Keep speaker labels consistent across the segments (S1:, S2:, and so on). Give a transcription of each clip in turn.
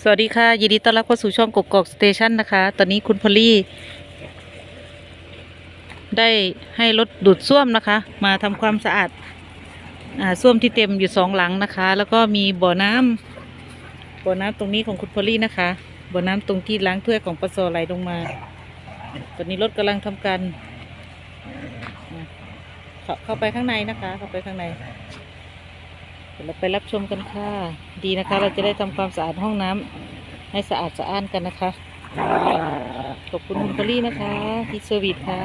S1: สวัสดีค่ะยินดีต้อนรับเข้าสู่ช่องกกอกสเตชันนะคะตอนนี้คุณพอลลี่ได้ให้รถดูดซ่วมนะคะมาทำความสะอาดซ่วมที่เต็มอยู่2 หลังนะคะ แล้วก็มีบ่อน้ำตรงนี้ของคุณพอลลี่นะคะบ่อน้ำตรงที่ล้างถ้วยของปสไหลลงมาตอนนี้รถกำลังทำการเข้าไปข้างในนะคะเข้าไปข้างในเดี๋ยวเราไปรับชมกันค่ะดีนะคะเราจะได้ทำความสะอาดห้องน้ำให้สะอาดสะอ้านกันนะคะขอบคุณคุณพอลลี่นะคะที่เซอร์วิสค่ะ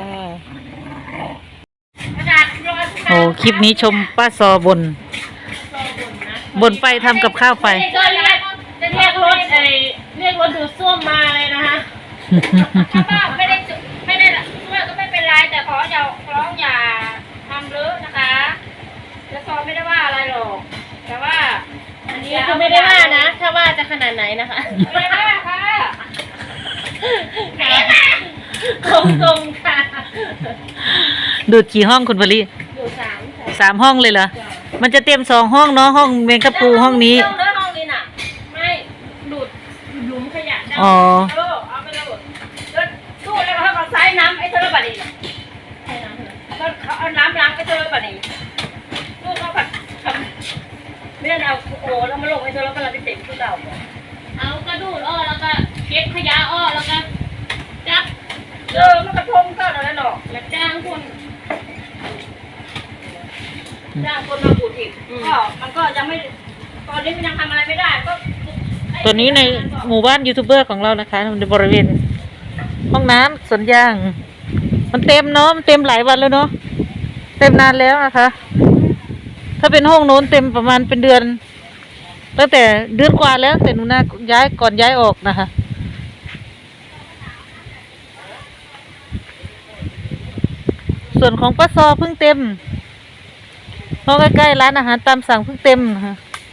S1: โอ้คลิปนี้ชมป้าซอบนไปทำกับข้าวไป
S2: จะเรียกรถดูดซ่วมมาเลยนะคะถ้าป้าไม่ได้ช่วยก็ไม่เป็นไรแต่ขออย่าทำเลอะนะคะแล้วซอไม่ได้ว่าอะไรหรอกแต่ว่าอันนี้ก็ไม่ได้ว่านะถ้าว่าจะขนาดไหนนะคะไม่ได้ว่าค่ะตรงค่ะ
S1: ดูดกี่ห้องคุณพอลลี่
S2: ดูด
S1: 3 ห้องเลยเหรอมันจะเต็ม2 ห้องเนาะห้องเมงกะปูห้องนี้
S2: ห้องนี้น่ะไม่ดูดหลุมขยะได้
S1: อ๋อ
S2: เอาไปเลยแล้วตู้แล้วเขาก็ใส่น้ำไอ้เธอบัดนี้ใส่น้ำแล้วเขาเอาน้ำล้างไอ้เธอบัดนี้ตู้เขาผัดไม่ได้เอาโอ้แล้วมาลงไอ้เธอแล้วก็เราไปติดตู้เก่าเอากระดูดอ้อแล้วก็เก็บขยะอ้อแล้วก็จับมันกระทงเข้าแล้วหรอกแล้วจ้างคนมาบูดอีกก็มันก็ยังไม่ตอนนี้มันยังทำอะไรไม่ได้ก็
S1: ตัวนี้ในหมู่บ้านยูทูบเบอร์ของเรานะคะในบริเวณห้องน้ำสวนยางมันเต็มเนาะมันเต็มหลายวันแล้วเนาะเต็มนานแล้วนะคะถ้าเป็นห้องโน้นเต็มประมาณเป็นเดือนตั้งแต่เดือนกว่าแล้วแต่หนูนาก่อนย้ายออกนะคะส่วนของป้าซอเพิ่งเต็มห้องใกล้ๆร้านอาหารตามสั่งเพิ่งเต็มนะคะ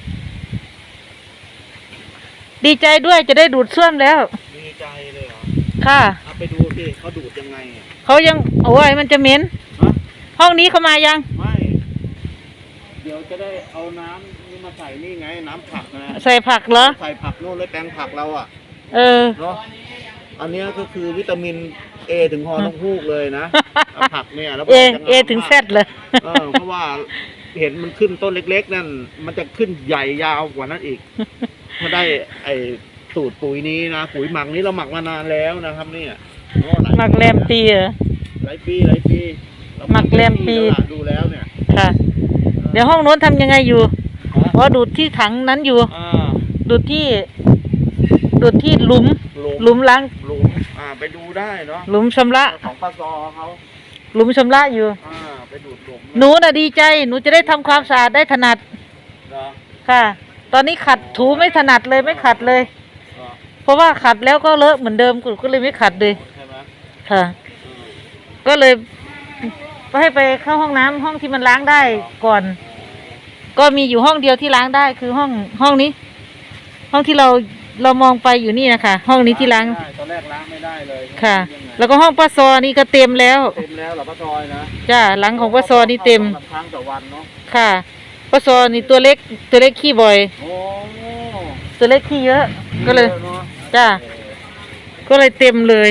S1: ดีใจด้วยจะได้ดูดซ่วมแล้ว
S3: ดีใจเลยเหรอ
S1: ค่ะ
S3: เอาไปดูสิเขาดูดยังไง
S1: เขายังโอ้ยมันจะเหม็นห้องนี้เขามายัง
S3: ไม่เดี๋ยวจะได้เอาน้ำนี่มาใส่นี่ไงน้ำผักนะ
S1: ใส่ผักเหรอ
S3: ใส่ผักโน่นเลยแปลงผักเราอ่ะ
S1: เ
S3: นาะอันนี้ก็คือวิตามินเอถึงฮอต้องฮูกเลยนะผักเนี่ยแล้ว
S1: เอถึงแซดเลย
S3: เพราะว่าเห็นมันขึ้นต้นเล็กๆนั่นมันจะขึ้นใหญ่ยาวกว่านั้นอีกถ้าได้ไอ้สูตรปุ๋ยนี้นะปุ๋ยหมักนี้เราหมักมานานแล้วนะครับเนี่ย
S1: หมักแรมปีเหรอ
S3: หลายปี
S1: หมักแรมปี
S3: ดูแล้วเนี่ย
S1: ค่ะเดี๋ยวห้องโน้นทำยังไงอยู่เพราะดูดที่ถังนั้นอยู่ดูดที่หลุมล้าง
S3: ไปดูได้เนาะ
S1: หลุมชำระ
S3: ของปซอเขา
S1: หลุมชำระอยู่
S3: ไปดูดหลุม
S1: หนูน่ะดีใจหนูจะได้ทำความสะอาดได้ถนัดค่ะตอนนี้ขัดถูไม่ถนัดเลยไม่ขัดเลยเพราะว่าขัดแล้วก็เลอะเหมือนเดิมก็เลยไม่ขัดเลยค่ะก็เลยให้ไปเข้าห้องน้ำห้องที่มันล้างได้ก่อนก็มีอยู่ห้องเดียวที่ล้างได้คือห้องนี้ห้องที่เรามองไปอยู่นี่นะคะห้องนี้ที่ล้าง
S3: ตอนแรกล้างไม่ได้เลย
S1: ค่ะแล้วก็ห้องป้าซอนี่ก็เต็มแล้ว
S3: เหรอป้าซอยนะ
S1: จ้าหลังของป้าซอนี่เต็ม
S3: ครั้งต่อวันเนาะ
S1: ค่ะป้าซอนี่ตัวเล็กขี้บ่อยตัวเล็กขี้เยอะก็เลยจ้าก็เลยเต็มเลย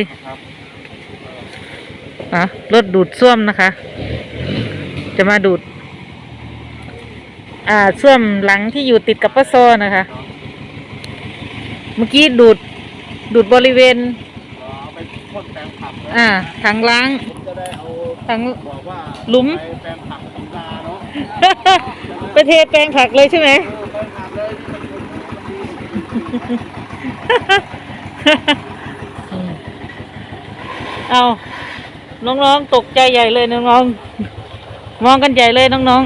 S1: รถดูดซ่วมนะคะจะมาดูดซ่วมหลังที่อยู่ติดกับป้าซอนะคะเมื่อกี้ดูดบริเวณถังล้างถังหลุมไปเทแปลงผักเลยใช่ไหมเอาน้องๆตกใจใหญ่เลยน้องๆมองกันใหญ่เลยน้อง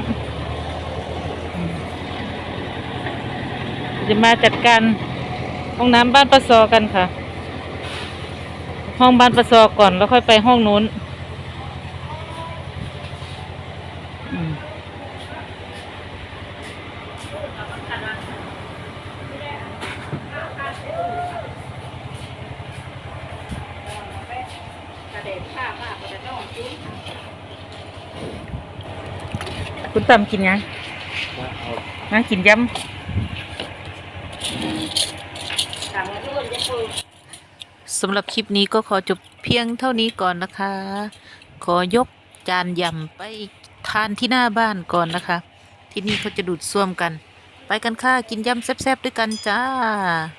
S1: ๆจะมาจัดการห้องน้ำบ้านป้าซอกันค่ะห้องบ้านป้าซอก่อนแล้วค่อยไปห้องนู้นคุณตำกินยังกินยำ
S2: สั่งแล้วทุกคนจะเปิด
S1: สำหรับคลิปนี้ก็ขอจบเพียงเท่านี้ก่อนนะคะ ขอยกจานยำไปทานที่หน้าบ้านก่อนนะคะ ที่นี่เขาจะดูดซ่วมกัน ไปกันค่ะ กินยำแซ่บๆด้วยกันจ้า